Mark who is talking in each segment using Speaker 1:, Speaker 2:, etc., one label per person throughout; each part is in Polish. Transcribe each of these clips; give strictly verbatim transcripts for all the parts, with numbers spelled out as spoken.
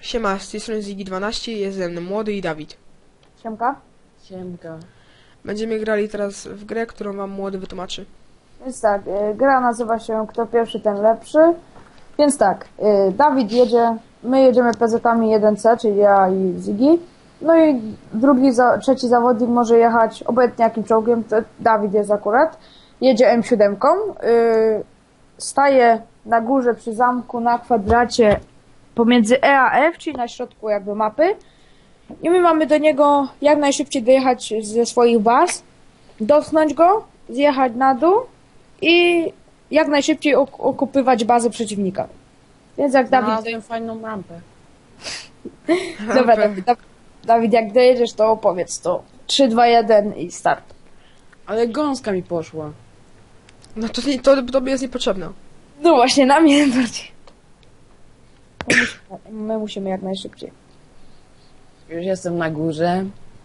Speaker 1: Siema, z tej strony Ziggy dwanaście, jest ze mną Młody i Dawid.
Speaker 2: Siemka.
Speaker 3: Siemka.
Speaker 1: Będziemy grali teraz w grę, którą wam Młody wytłumaczy.
Speaker 2: Więc tak, y, gra nazywa się Kto pierwszy, ten lepszy. Więc tak, y, Dawid jedzie, my jedziemy P Z-ami jeden C, czyli ja i Ziggy. No i drugi, za, trzeci zawodnik może jechać obojętnie jakim czołgiem, to Dawid jest akurat. Jedzie M siedem. Y, staje na górze przy zamku na kwadracie pomiędzy E a F, czyli na środku jakby mapy. I my mamy do niego jak najszybciej dojechać ze swoich baz, dotknąć go, zjechać na dół i jak najszybciej ok okupywać bazę przeciwnika. Więc jak Dawid...
Speaker 3: Znalazłem fajną rampę.
Speaker 2: Dobra, Dawid, Dawid, Dawid, jak dojedziesz, to opowiedz to. trzy, dwa, jeden i start.
Speaker 3: Ale gąska mi poszła.
Speaker 1: No to, nie, to tobie jest niepotrzebne.
Speaker 2: No właśnie, na mnie bardziej. My musimy, my musimy jak najszybciej.
Speaker 3: Już jestem na górze.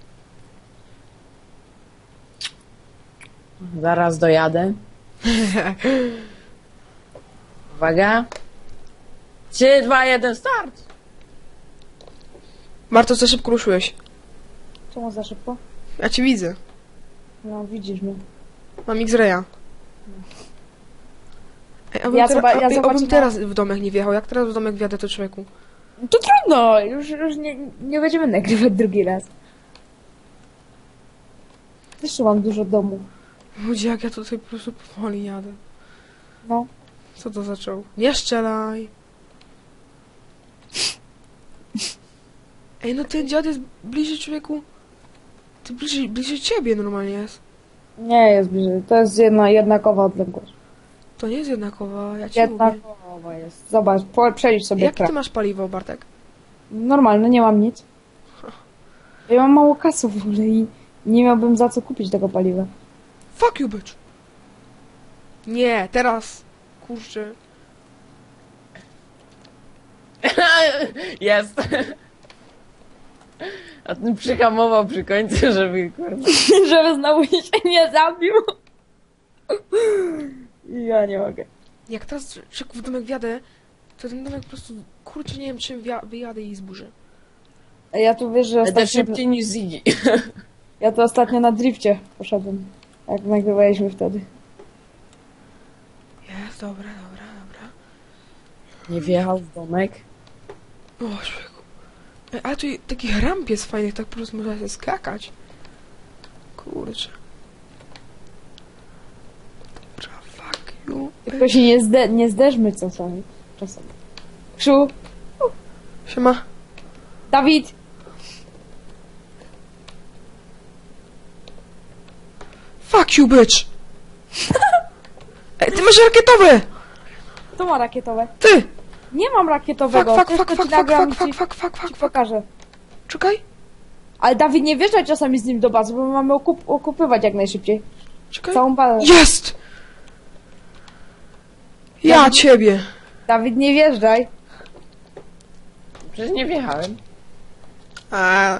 Speaker 3: Zaraz dojadę. Uwaga. trzy, dwa, jeden, start!
Speaker 1: Marto, za szybko ruszyłeś.
Speaker 2: Czemu za szybko?
Speaker 1: Ja cię widzę.
Speaker 2: No, widzisz mnie.
Speaker 1: Mam X-raya. Ej, abym,
Speaker 2: Ja
Speaker 1: tera-
Speaker 2: zoba- ja
Speaker 1: ej, abym
Speaker 2: zobaczyłam-
Speaker 1: teraz w domek nie wjechał. Jak teraz w domek wjadę, to człowieku?
Speaker 2: To trudno, już, już nie, nie będziemy nagrywać drugi raz. Też mam dużo domów.
Speaker 1: Ludzie, jak ja tutaj po prostu powoli jadę.
Speaker 2: No.
Speaker 1: Co to zaczął? Nie strzelaj! Ej, no ten dziad jest bliżej człowieku. Ty bliżej, bliżej ciebie normalnie jest.
Speaker 2: Nie jest bliżej, to jest jedna, jednakowa odległość.
Speaker 1: To nie jest jednakowa, ja ci mówię.
Speaker 2: Jednakowa jest. Zobacz, po, przejdź sobie
Speaker 1: Jak
Speaker 2: kraj.
Speaker 1: ty masz paliwo, Bartek?
Speaker 2: Normalne, nie mam nic. Ja mam mało kasy w ogóle i nie miałbym za co kupić tego paliwa.
Speaker 1: Fuck you, bitch! Nie, teraz! Kurczę.
Speaker 3: Jest! A ten przyhamował przy końcu, żeby kurde.
Speaker 2: Żeby znowu się nie zabił. Ja nie mogę.
Speaker 1: Jak teraz szybko w domek wjadę, to ten domek po prostu, kurczę, nie wiem czym wja- wyjadę i zburzę.
Speaker 2: Ja tu wiesz, że
Speaker 3: Będę
Speaker 2: ostatnio,
Speaker 3: szybciej niż Ziggy.
Speaker 2: ja tu ostatnio na drifcie poszedłem. Jak nagrywaliśmy wtedy.
Speaker 1: Jest, dobra, dobra, dobra.
Speaker 3: Nie wjechał w domek.
Speaker 1: O, człowieku. Ej, ale tu takich ramp jest fajnych, tak po prostu można się skakać. Kurczę. Dobra, fuck you.
Speaker 2: Tylko się nie, zde nie zderzmy czasami. czasami. Krzu,
Speaker 1: Siema.
Speaker 2: Dawid!
Speaker 1: Fuck you, bitch! Ej, ty masz rakietowe!
Speaker 2: To ma rakietowe.
Speaker 1: Ty!
Speaker 2: Nie mam rakietowego.
Speaker 1: Fuck, fuck,
Speaker 2: Tylko
Speaker 1: fuck,
Speaker 2: ci
Speaker 1: fuck,
Speaker 2: nagram
Speaker 1: fuck,
Speaker 2: i
Speaker 1: fuck, fuck, fuck,
Speaker 2: ci,
Speaker 1: fuck,
Speaker 2: ci
Speaker 1: fuck.
Speaker 2: pokażę.
Speaker 1: Czekaj,
Speaker 2: Ale Dawid, nie wjeżdżaj czasami z nim do bazy, bo my mamy okup okupywać jak najszybciej.
Speaker 1: czekaj.
Speaker 2: Całą bazę.
Speaker 1: Jest! Ja ciebie!
Speaker 2: Dawid, nie wjeżdżaj.
Speaker 3: Przecież nie wjechałem.
Speaker 1: A.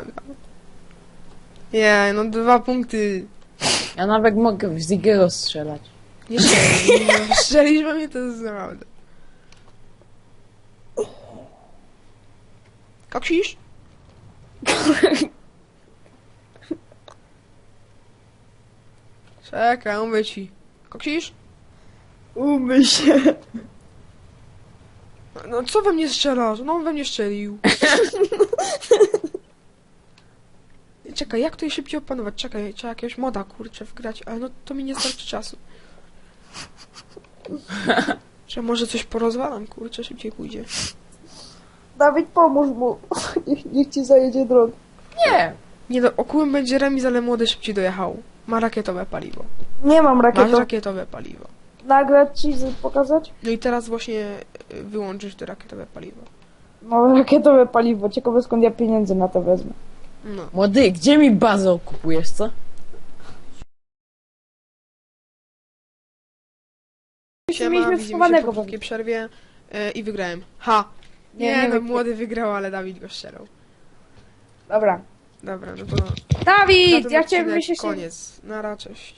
Speaker 1: Nie, no dwa punkty.
Speaker 3: Ja nawet mogę w Ziggy'ego strzelać.
Speaker 1: Nie strzelisz, nie strzelisz we mnie, to jest naprawdę. Koksisz? Czekaj, mówię ci. Koksisz?
Speaker 2: Umyj się.
Speaker 1: No co we mnie strzelasz? No on we mnie strzelił. Czekaj, jak to je szybciej opanować? Czekaj, trzeba jakiegoś moda, kurczę, wgrać, ale no to mi nie starczy czasu. Że może coś porozwalam, kurczę, szybciej pójdzie.
Speaker 2: Dawid, pomóż mu. Niech, niech ci zajedzie drogę.
Speaker 3: Nie!
Speaker 1: Nie no, okułem będzie remis, ale młody szybciej dojechał. Ma rakietowe paliwo.
Speaker 2: Nie mam
Speaker 1: Masz
Speaker 2: rakietów.
Speaker 1: rakietowe paliwo.
Speaker 2: Nagrać ci, z- pokazać?
Speaker 1: No i teraz właśnie y, wyłączysz to rakietowe paliwo.
Speaker 2: Mam rakietowe paliwo. Ciekawe skąd ja pieniędzy na to wezmę.
Speaker 1: No.
Speaker 3: Młody, gdzie mi bazę okupujesz, co?
Speaker 1: Siema,
Speaker 2: mieliśmy
Speaker 1: widzimy się
Speaker 2: schowanego
Speaker 1: po
Speaker 2: pewnie.
Speaker 1: krótkiej przerwie y, i wygrałem. Ha! Nie,
Speaker 2: Nie, nie
Speaker 1: no,
Speaker 2: wygra-
Speaker 1: młody wygrał, ale Dawid go strzelał.
Speaker 2: Dobra.
Speaker 1: Dobra, no to... na
Speaker 2: Dawid!
Speaker 1: ten
Speaker 2: Ja chciałem
Speaker 1: odcinek
Speaker 2: myśleć...
Speaker 1: koniec. Nara, cześć.